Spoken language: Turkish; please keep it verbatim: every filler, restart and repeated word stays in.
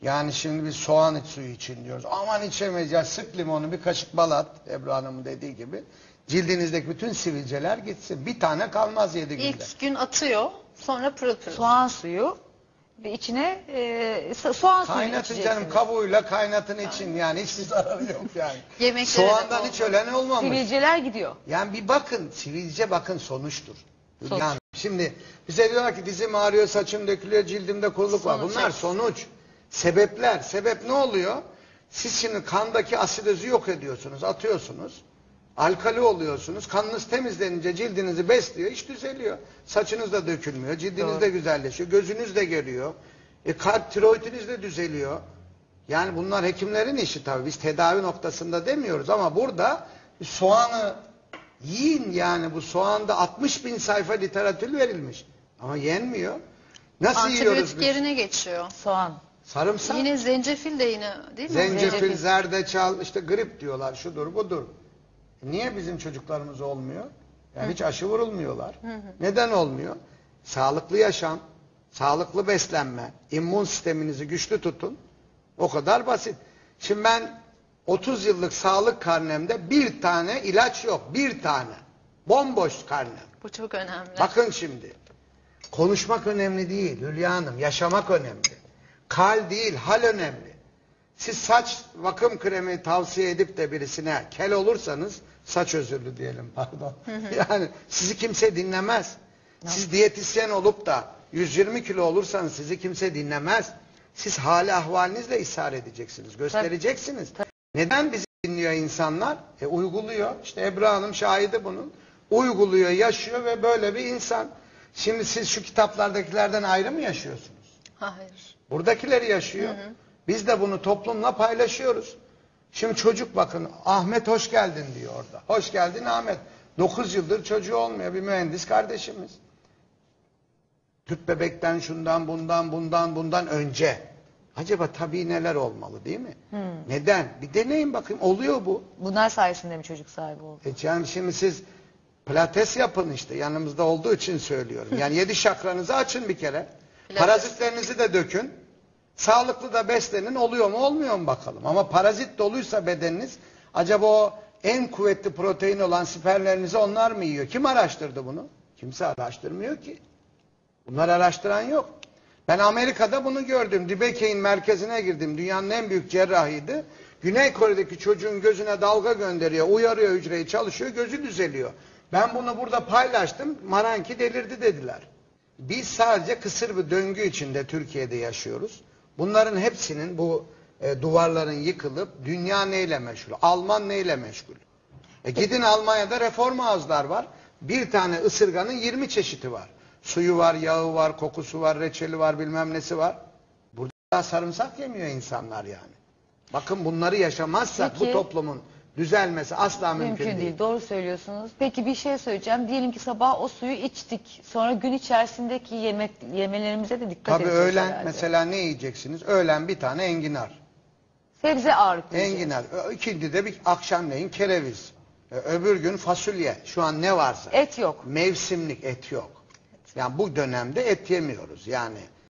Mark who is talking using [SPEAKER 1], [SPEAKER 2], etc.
[SPEAKER 1] Yani şimdi biz soğan iç suyu için diyoruz. Aman içemeyiz ya, sık limonu, bir kaşık bal at, Ebru Hanım'ın dediği gibi. Cildinizdeki bütün sivilceler gitsin. Bir tane kalmaz yedi günde.
[SPEAKER 2] İlk gün atıyor, sonra pırıl pırıl.
[SPEAKER 3] Soğan suyu ve içine e, so- soğan suyu
[SPEAKER 1] Kaynatın
[SPEAKER 3] içeceksiniz.
[SPEAKER 1] canım, kabuğuyla kaynatın için, yani hiçbir zararı yok yani.
[SPEAKER 2] Yemeklere de
[SPEAKER 1] Soğandan
[SPEAKER 2] bol
[SPEAKER 1] hiç
[SPEAKER 2] bol.
[SPEAKER 1] ölen olmamış.
[SPEAKER 3] Sivilceler gidiyor.
[SPEAKER 1] Yani bir bakın, sivilce bakın sonuçtur.
[SPEAKER 3] Sonuç.
[SPEAKER 1] Yani şimdi bize diyorlar ki dizim ağrıyor, saçım dökülüyor, cildimde kuruluk var.
[SPEAKER 2] Sonuç,
[SPEAKER 1] Bunlar
[SPEAKER 2] evet.
[SPEAKER 1] sonuç. Sebepler. Sebep ne oluyor? Siz şimdi kandaki asidozu yok ediyorsunuz, atıyorsunuz. Alkali oluyorsunuz. Kanınız temizlenince cildinizi besliyor, iş düzeliyor. Saçınız da dökülmüyor, cildiniz
[SPEAKER 3] Doğru.
[SPEAKER 1] de güzelleşiyor, gözünüz de görüyor. E, kalp, tiroidiniz de düzeliyor. Yani bunlar hekimlerin işi tabii. Biz tedavi noktasında demiyoruz ama burada soğanı yiyin, yani bu soğanda altmış bin sayfa literatür verilmiş. Ama yenmiyor. Nasıl yiyoruz
[SPEAKER 2] Antibiyotik
[SPEAKER 1] biz?
[SPEAKER 2] yerine geçiyor.
[SPEAKER 3] Soğan.
[SPEAKER 1] Sarımsak,
[SPEAKER 2] Yine zencefil de yine değil mi?
[SPEAKER 1] zencefil,
[SPEAKER 3] Zencefil.
[SPEAKER 1] zerdeçal, işte grip diyorlar, şudur budur. Niye bizim çocuklarımız olmuyor? Yani hiç aşı vurulmuyorlar. Neden olmuyor? Sağlıklı yaşam, sağlıklı beslenme, immün sisteminizi güçlü tutun. O kadar basit. Şimdi ben otuz yıllık sağlık karnemde bir tane ilaç yok. Bir tane. Bomboş karnem.
[SPEAKER 2] Bu çok önemli.
[SPEAKER 1] Bakın şimdi. Konuşmak önemli değil Hülya Hanım. Yaşamak önemli. Kal değil, hal önemli. Siz saç bakım kremi tavsiye edip de birisine kel olursanız, saç özürlü diyelim pardon. Yani sizi kimse dinlemez. Siz diyetisyen olup da yüz yirmi kilo olursanız sizi kimse dinlemez. Siz hali ahvalinizle ishar edeceksiniz, göstereceksiniz. Neden bizi dinliyor insanlar? E uyguluyor. İşte Ebru Hanım şahidi bunun. Uyguluyor, yaşıyor ve böyle bir insan. Şimdi siz şu kitaplardakilerden ayrı mı yaşıyorsunuz?
[SPEAKER 2] Hayır.
[SPEAKER 1] Buradakileri yaşıyor. Hı hı. Biz de bunu toplumla paylaşıyoruz. Şimdi çocuk bakın, Ahmet hoş geldin diyor orada. Hoş geldin Ahmet. dokuz yıldır çocuğu olmuyor, bir mühendis kardeşimiz. Tüp bebekten, şundan bundan bundan bundan önce. Acaba tabii neler olmalı değil mi? Hmm. Neden? Bir deneyin bakayım, oluyor bu.
[SPEAKER 3] Bunlar sayesinde mi çocuk sahibi oldu?
[SPEAKER 1] E yani şimdi siz pilates yapın işte, yanımızda olduğu için söylüyorum. Yani yedi şakranızı açın bir kere.
[SPEAKER 2] Pilates.
[SPEAKER 1] Parazitlerinizi de dökün. Sağlıklı da beslenin, oluyor mu olmuyor mu bakalım. Ama parazit doluysa bedeniniz, acaba o en kuvvetli protein olan spermlerinizi onlar mı yiyor? Kim araştırdı bunu? Kimse araştırmıyor ki. Bunları araştıran yok. Ben Amerika'da bunu gördüm. Dibekey'in merkezine girdim. Dünyanın en büyük cerrahiydi. Güney Kore'deki çocuğun gözüne dalga gönderiyor, uyarıyor hücreyi, çalışıyor, gözü düzeliyor. Ben bunu burada paylaştım. Maranki delirdi dediler. Biz sadece kısır bir döngü içinde Türkiye'de yaşıyoruz. Bunların hepsinin, bu e, duvarların yıkılıp dünya neyle meşgul? Alman neyle meşgul? E, gidin Almanya'da reform ağızlar var. Bir tane ısırganın yirmi çeşidi var. Suyu var, yağı var, kokusu var, reçeli var, bilmem nesi var. Burada sarımsak yemiyor insanlar yani. Bakın bunları yaşamazsak
[SPEAKER 3] Peki,
[SPEAKER 1] bu toplumun düzelmesi asla mümkün,
[SPEAKER 3] Mümkün
[SPEAKER 1] değil.
[SPEAKER 3] değil. Doğru söylüyorsunuz. Peki bir şey söyleyeceğim. Diyelim ki sabah o suyu içtik. Sonra gün içerisindeki yemek yemelerimize de dikkat
[SPEAKER 1] Tabii
[SPEAKER 3] edeceğiz
[SPEAKER 1] öğlen
[SPEAKER 3] herhalde.
[SPEAKER 1] mesela ne yiyeceksiniz? Öğlen bir tane enginar.
[SPEAKER 3] Sebze ağırlıklı yiyeceğiz.
[SPEAKER 1] Enginar. Ö- İkindi de bir akşamleyin kereviz. Ö- Öbür gün fasulye. Şu an ne varsa.
[SPEAKER 3] Et yok.
[SPEAKER 1] Mevsimlik et yok. Yani bu dönemde et yemiyoruz. Yani